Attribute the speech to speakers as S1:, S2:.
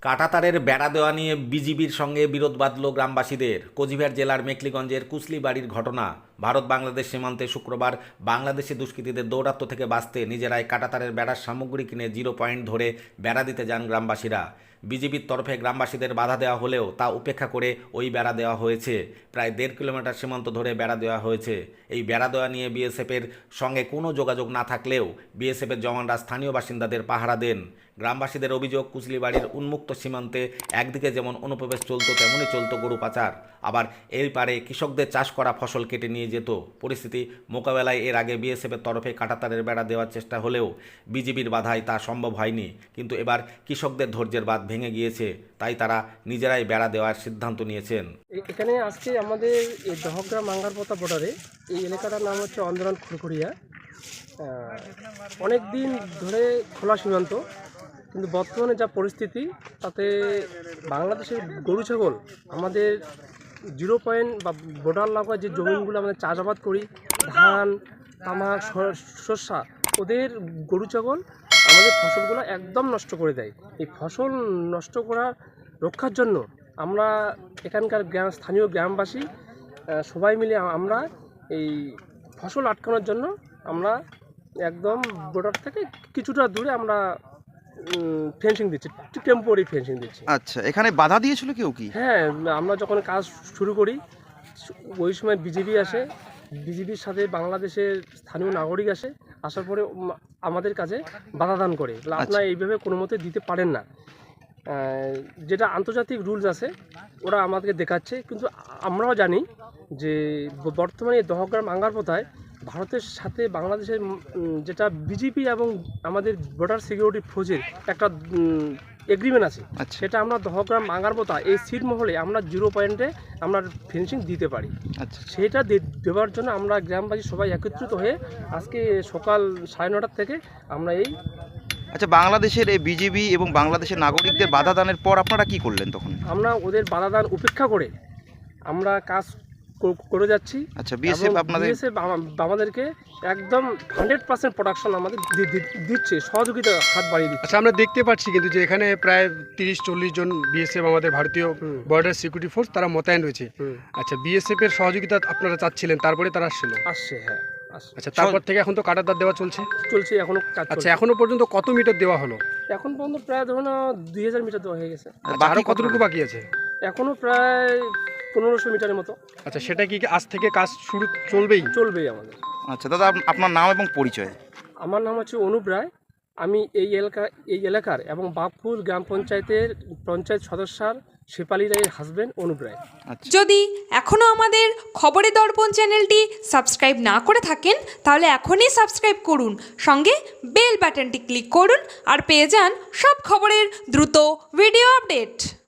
S1: কাঁটাতারের বেড়া দেওয়া নিয়ে বিজিবির সঙ্গে বিরোধ বাঁধল গ্রামবাসীদের। কোচবিহার জেলার মেখলিগঞ্জের কুসলি বাড়ির ঘটনা। ভারত বাংলাদেশ সীমান্তে শুক্রবার বাংলাদেশি দুষ্কৃতীদের দৌরাত্ম্য থেকে বাঁচতে নিজেরাই কাঁটাতারের বেড়ার সামগ্রী কিনে 0 পয়েন্ট ধরে বেড়া দিতে যান গ্রামবাসীরা। বিজিবির তরফে গ্রামবাসীদের বাধা দেওয়া হলেও তা উপেক্ষা করে ওই বেড়া দেওয়া হয়েছে। প্রায় 1.5 কিলোমিটার সীমান্ত ধরে বেড়া দেওয়া হয়েছে। এই বেড়া দেওয়া নিয়ে বিএসএফের সঙ্গে কোনো যোগাযোগ না থাকলেও বিএসএফের জওয়ানরা স্থানীয় বাসিন্দাদের পাহারা দেন। গ্রামবাসীদের অভিযোগ, কুচলিবাড়ির উন্মুক্ত সীমান্তে একদিকে যেমন অনুপ্রবেশ চলত তেমনই চলত গরু পাচার, আবার এর পারে কৃষকদের চাষ করা ফসল কেটে নিয়ে যেত। পরিস্থিতি মোকাবেলায় এর আগে বিএসএফের তরফে কাঁটাতারের বেড়া দেওয়ার চেষ্টা হলেও বিজিবির বাধায় তা সম্ভব হয়নি। কিন্তু এবার কৃষকদের ধৈর্যের বাঁধ ভেঙে গিয়েছে, তাই তারা নিজেরাই বেড়া দেওয়ার সিদ্ধান্ত নিয়েছেন।
S2: এখানে আজকে আমাদের এই দহগ্রাম মাঙ্গারপোতা বর্ডারে এই এলাকাটার নাম হচ্ছে অন্দরান খুরকুড়িয়া। অনেক দিন ধরে খোলা সীমান্ত, কিন্তু বর্তমানে যা পরিস্থিতি তাতে বাংলাদেশের গরু ছাগল আমাদের 0 পয়েন্ট বা বর্ডার লাগোয়া যে জমিনগুলো আমাদের চাষাবাদ করি, ধান, তামাক, শস্যা, ওদের গরু ছাগল আমাদের ফসলগুলো একদম নষ্ট করে দেয়। এই ফসল নষ্ট করা রক্ষার জন্য আমরা এখানকার স্থানীয় গ্রামবাসী সবাই মিলে আমরা এই ফসল আটকানোর জন্য আমরা একদম বর্ডার থেকে কিছুটা দূরে আমরা ফেন্সিং দিচ্ছি, টেম্পোরারি ফেন্সিং দিচ্ছি।
S3: আচ্ছা, এখানে বাধা দিয়েছিল কেউ কি?
S2: হ্যাঁ, আমরা যখন কাজ শুরু করি ওই সময় বিজিবি আসে, বিজিবির সাথে বাংলাদেশের স্থানীয় নাগরিক আসে, আসার পরে আমাদের কাছে বাধা দান করে, আপনারা এইভাবে কোনো মতে দিতে পারেন না। যেটা আন্তর্জাতিক রুলস আছে ওরা আমাদেরকে দেখাচ্ছে, কিন্তু আমরাও জানি যে বর্তমানে দহগ্রাম মাঙ্গারপোতায় ভারতের সাথে বাংলাদেশের যেটা বিজিপি এবং আমাদের বর্ডার সিকিউরিটি ফোর্সের একটা এগ্রিমেন্ট আছে, সেটা আমরা দহগ্রাম মাঙ্গারপোতা এই সিট মহলে আমরা 0 পয়েন্টে আমরা ফিনিশিং দিতে পারি। সেটা দেওয়ার জন্য আমরা গ্রামবাসী সবাই একত্রিত হয়ে আজকে সকাল 9:30 থেকে আমরা এই
S3: বাংলাদেশের এই বিজিবি এবং বাংলাদেশের নাগরিকদের বাধা দানের পর আপনারা কি করলেন? তখন
S2: আমরা ওদের বাধা দান উপেক্ষা করে আমরা কাজ করে যাচ্ছি।
S3: বিএসএফ
S2: আমাদেরকে একদম 100% প্রোডাকশন আমাদের দিচ্ছে, সহযোগিতা হাত বাড়িয়ে দিচ্ছে।
S4: আচ্ছা, আমরা দেখতে পাচ্ছি কিন্তু যে এখানে প্রায় 30-40 জন বিএসএফ আমাদের ভারতীয় বর্ডার সিকিউরিটি ফোর্স তারা মোতায়েন রয়েছে। আচ্ছা, বিএসএফ এর সহযোগিতা আপনারা চাচ্ছিলেন, তারপরে তারা
S2: আসছে। হ্যাঁ,
S4: আচ্ছা, তারপর থেকে এখন তো কাঁটাতার দেওয়া চলছে
S2: এখনো কাজ।
S4: আচ্ছা, এখনো পর্যন্ত কত মিটার দেওয়া হলো?
S2: এখন পর্যন্ত প্রায় ধরুন 2000 মিটার দেওয়া হয়ে গেছে।
S4: আরো কতটুকু বাকি আছে?
S2: এখনো প্রায় 1500 মিটারের মতো।
S4: আচ্ছা, সেটা কি আজ থেকে কাজ শুরু চলবেই
S2: আমাদের?
S3: আচ্ছা দাদা, আপনার নাম এবং পরিচয়?
S2: আমার নাম হচ্ছে অনুপ রায়। আমি এই এলাকার এবং বাঘফুল গ্রাম পঞ্চায়েতের পঞ্চায়েত সদস্যার শেফালি রায়ের হাজবেন্ড অনুপ রায়।
S5: যদি এখনও আমাদের খবরের দর্পণ চ্যানেলটি সাবস্ক্রাইব না করে থাকেন তাহলে এখনই সাবস্ক্রাইব করুন, সঙ্গে বেল বাটনটি ক্লিক করুন আর পেয়ে যান সব খবরের দ্রুত ভিডিও আপডেট।